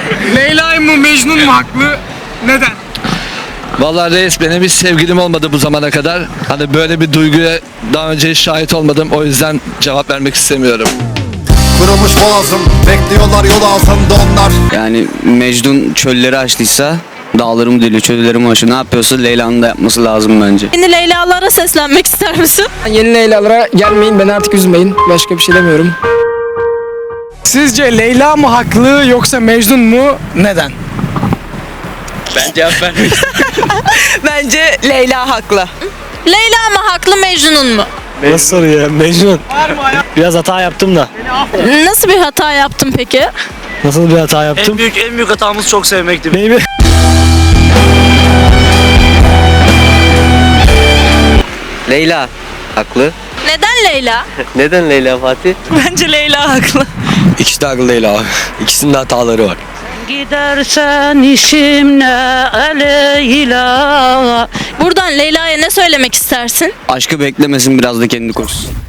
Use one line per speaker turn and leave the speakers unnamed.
Leyla mı Mecnun mu haklı? Neden?
Vallahi reis, benim hiç sevgilim olmadı bu zamana kadar. Hani böyle bir duyguya daha önce hiç şahit olmadım. O yüzden cevap vermek istemiyorum.
Kurumuş boğazım, bekliyorlar yol altında onlar.
Yani Mecnun çölleri aştıysa dağlarımı deliyor, çöllerimi aşıyor. Ne yapıyorsa Leyla'nın da yapması lazım bence.
Yeni Leyla'lara seslenmek ister misin?
Yeni Leyla'lara gelmeyin, beni artık üzmeyin. Başka bir şey demiyorum.
Sizce Leyla mı haklı yoksa Mecnun mu? Neden?
Ben cevap vermek
Bence Leyla haklı.
Leyla mı haklı Mecnun mu?
Nasıl soru ya? Mecnun. Biraz hata yaptım da.
Nasıl bir hata yaptın peki?
Nasıl bir hata yaptım?
en büyük hatamız çok sevmekti.
Neydi?
Leyla haklı.
Neden Leyla?
Neden Leyla Fatih?
Bence Leyla haklı.
İkisi de haklı değil abi. İkisinin de hataları var.
Gidersen işim ne Leyla.
Buradan Leyla'ya ne söylemek istersin?
Aşkı beklemesin, biraz da kendi koşsun.